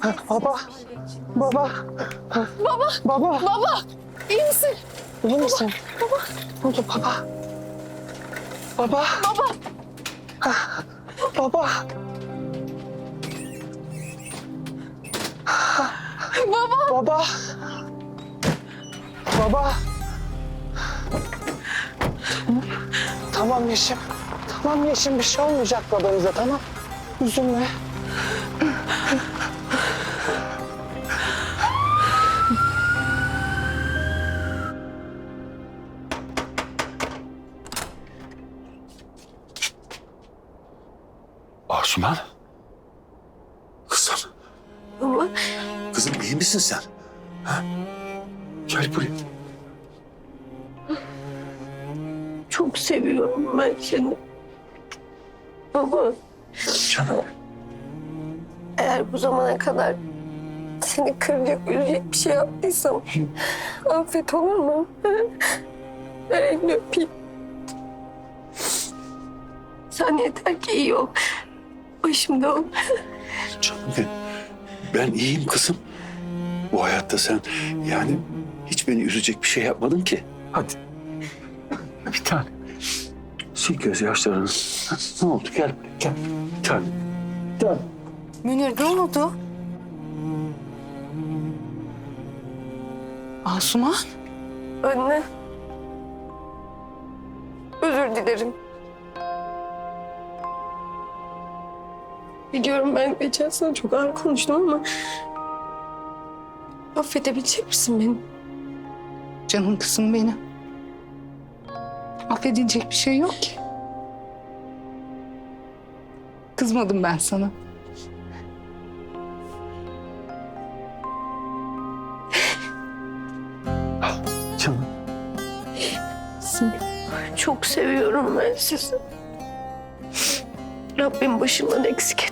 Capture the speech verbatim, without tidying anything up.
Baba. Baba. Baba. Baba. Baba. İyi misin? İyi misin? Baba. Ne oldu baba? Baba. Baba. Baba. Baba. Baba. Baba. Tamam Yeşim. Tamam Yeşim, bir şey olmayacak babanıza, tamam. Üzülme. Asuman. Kızım. Baba. Kızım iyi misin sen? Ha? Gel buraya. Çok seviyorum ben seni. Baba. Canım. Eğer bu zamana kadar seni kıracak, üzecek bir şey yaptıysam affet, olur mu? Ver elini öpeyim. Sen yeter ki iyi ol. Başımda ol. Canım benim. Ben iyiyim kızım. Bu hayatta sen yani hiç beni üzecek bir şey yapmadın ki. Hadi. Bir tane. Sil gözyaşlarını. Ha, ne oldu? Gel buraya, gel. Bir tane. Gel. Münir ne oldu? Asuman? Anne. Özür dilerim. Biliyorum ben geçen sene çok ağır konuştum ama... affedebilecek misin beni? Canım kızım benim. Affedilecek bir şey yok ki. Kızmadım ben sana. Canım. Çok seviyorum ben sizi. Rabbim başımdan eksik